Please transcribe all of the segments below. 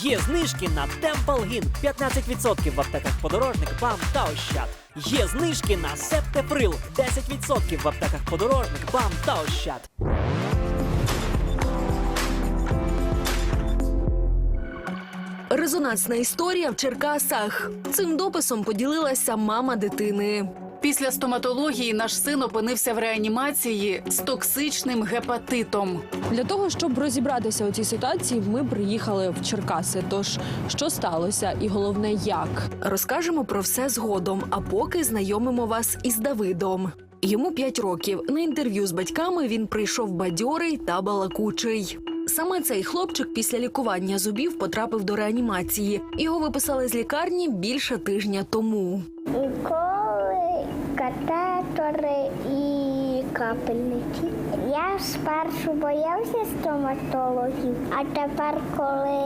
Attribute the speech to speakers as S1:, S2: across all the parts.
S1: Є знижки на Темпалгін 15% в аптеках Подорожник, БАМ та Ощад. Є знижки на Септеприл 10% в аптеках Подорожник, БАМ та Ощад.
S2: Резонансна історія в Черкасах. Цим дописом поділилася мама дитини.
S3: Після стоматології наш син опинився в реанімації з токсичним гепатитом.
S4: Для того, щоб розібратися у цій ситуації, ми приїхали в Черкаси. Тож, що сталося і головне, як?
S2: Розкажемо про все згодом, а поки знайомимо вас із Давидом. Йому 5 років. На інтерв'ю з батьками він прийшов бадьорий та балакучий. Саме цей хлопчик після лікування зубів потрапив до реанімації. Його виписали з лікарні більше тижня тому.
S5: Уколи, катетори і капельниці. Я спершу боявся стоматологів, а тепер, коли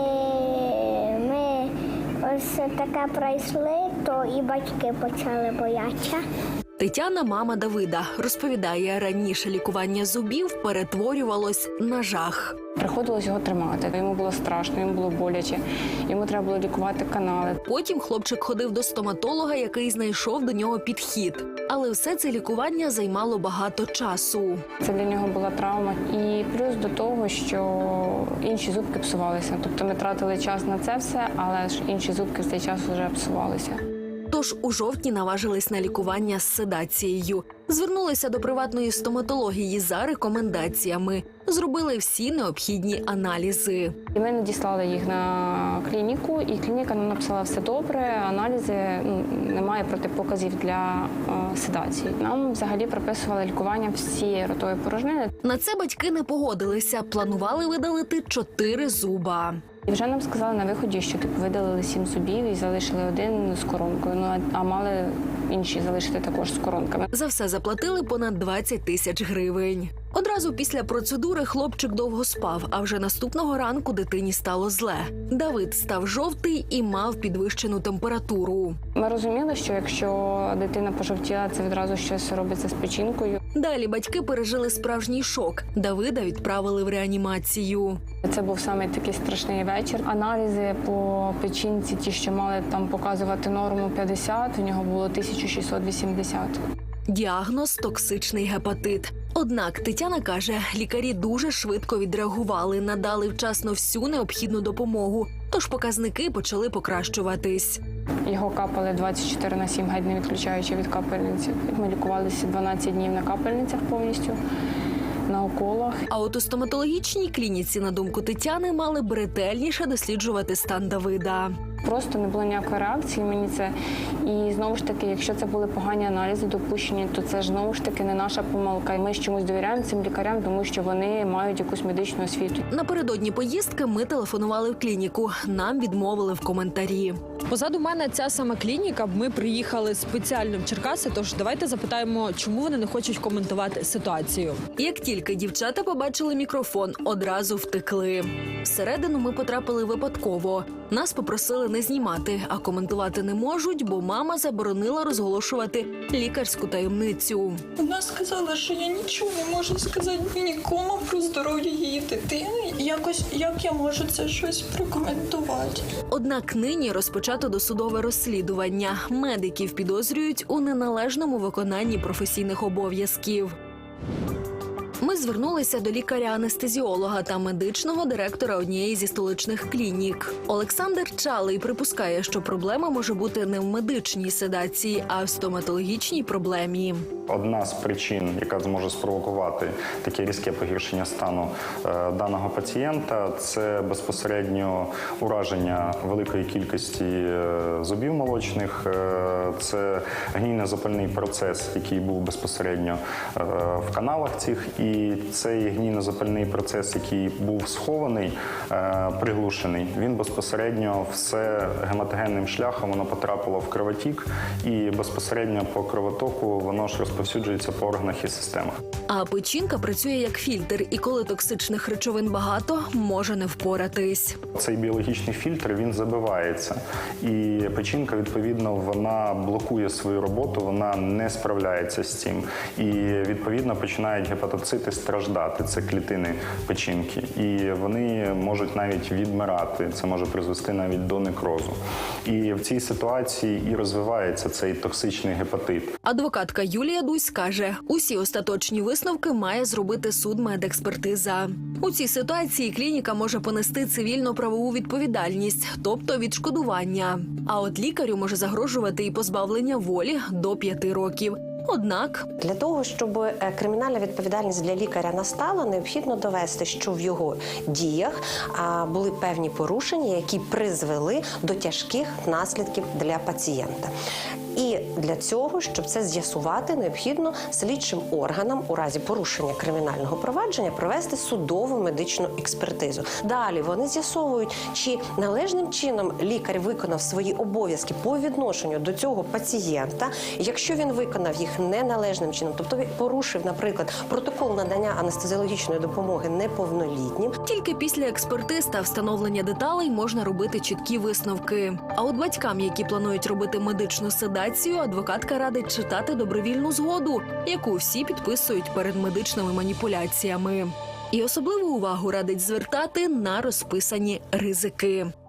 S5: ми ось таке пройшли, то і батьки почали боятися.
S2: Тетяна, мама Давида, розповідає, раніше лікування зубів перетворювалось на жах.
S6: Приходилось його тримати. Йому було страшно, йому було боляче. Йому треба було лікувати канали.
S2: Потім хлопчик ходив до стоматолога, який знайшов до нього підхід. Але все це лікування займало багато часу.
S6: Це для нього була травма. І плюс до того, що інші зубки псувалися. Тобто ми тратили час на це все, але ж інші зубки в цей час вже псувалися.
S2: Тож у жовтні наважились на лікування з седацією. Звернулися до приватної стоматології за рекомендаціями. Зробили всі необхідні аналізи.
S6: І ми надіслали їх на клініку, і клініка нам написала все добре, аналізи, немає протипоказів для седації. Нам взагалі прописували лікування всієї ротової порожнини.
S2: На це батьки не погодилися, планували видалити 4 зуба.
S6: І вже нам сказали на виході, що видалили 7 зубів і залишили 1 з коронкою, а мали інші залишити також з коронками.
S2: За все заплатили понад 20 тисяч гривень. Одразу після процедури хлопчик довго спав, а вже наступного ранку дитині стало зле. Давид став жовтий і мав підвищену температуру.
S6: Ми розуміли, що якщо дитина пожовтіла, це відразу щось робиться з печінкою.
S2: Далі батьки пережили справжній шок. Давида відправили в реанімацію.
S6: Це був саме такий страшний вечір. Аналізи по печінці, ті, що мали там показувати норму 50, в нього було 1680.
S2: Діагноз – токсичний гепатит. Однак Тетяна каже, лікарі дуже швидко відреагували, надали вчасно всю необхідну допомогу. Тож показники почали покращуватись.
S6: Його капали 24/7, геть не відключаючи від капельниці. Ми лікувалися 12 днів на капельницях повністю, на уколах.
S2: А от у стоматологічній клініці, на думку Тетяни, мали б ретельніше досліджувати стан Давида.
S6: Просто не було ніякої реакції мені це. І знову ж таки, якщо це були погані аналізи допущені, то це ж знову ж таки не наша помилка. Ми ж чомусь довіряємо цим лікарям, тому що вони мають якусь медичну освіту.
S2: Напередодні поїздки ми телефонували в клініку. Нам відмовили в коментарі.
S4: Позаду мене ця сама клініка. Ми приїхали спеціально в Черкаси, тож давайте запитаємо, чому вони не хочуть коментувати ситуацію.
S2: Як тільки дівчата побачили мікрофон, одразу втекли. Всередину ми потрапили випадково. Нас попросили не знімати, а коментувати не можуть, бо мама заборонила розголошувати лікарську таємницю.
S7: Вона сказала, що я нічого не можу сказати нікому про здоров'я її дитини. Як я можу це щось прокоментувати?
S2: Однак нині розпочато досудове розслідування. Медиків підозрюють у неналежному виконанні професійних обов'язків. Ми звернулися до лікаря-анестезіолога та медичного директора однієї зі столичних клінік. Олександр Чалий припускає, що проблема може бути не в медичній седації, а в стоматологічній проблемі.
S8: Одна з причин, яка зможе спровокувати таке різке погіршення стану даного пацієнта, це безпосередньо ураження великої кількості зубів молочних, це гнійно-запальний процес, який був безпосередньо в каналах цих, і цей гнійно-запальний процес, який був схований, приглушений, він безпосередньо все гематогенним шляхом воно потрапило в кровотік, і безпосередньо по кровотоку воно ж розповсюджується по органах і системах.
S2: А печінка працює як фільтр, і коли токсичних речовин багато, може не впоратись.
S8: Цей біологічний фільтр, він забивається. І печінка, відповідно, вона блокує свою роботу, вона не справляється з цим. І, відповідно, починають гепатоцити просити страждати. Це клітини печінки. І вони можуть навіть відмирати. Це може призвести навіть до некрозу. І в цій ситуації і розвивається цей токсичний гепатит.
S2: Адвокатка Юлія Дусь каже, усі остаточні висновки має зробити судмедекспертиза. У цій ситуації клініка може понести цивільно-правову відповідальність, тобто відшкодування. А от лікарю може загрожувати і позбавлення волі до 5 років. Однак
S9: для того, щоб кримінальна відповідальність для лікаря настала, необхідно довести, що в його діях були певні порушення, які призвели до тяжких наслідків для пацієнта. І для цього, щоб це з'ясувати, необхідно слідчим органам у разі порушення кримінального провадження провести судову медичну експертизу. Далі вони з'ясовують, чи належним чином лікар виконав свої обов'язки по відношенню до цього пацієнта. Якщо він виконав їх неналежним чином, тобто порушив, наприклад, протокол надання анестезіологічної допомоги неповнолітнім.
S2: Тільки після експертиз та встановлення деталей можна робити чіткі висновки. А от батькам, які планують робити медичну седацію, адвокатка радить читати добровільну згоду, яку всі підписують перед медичними маніпуляціями. І особливу увагу радить звертати на розписані ризики.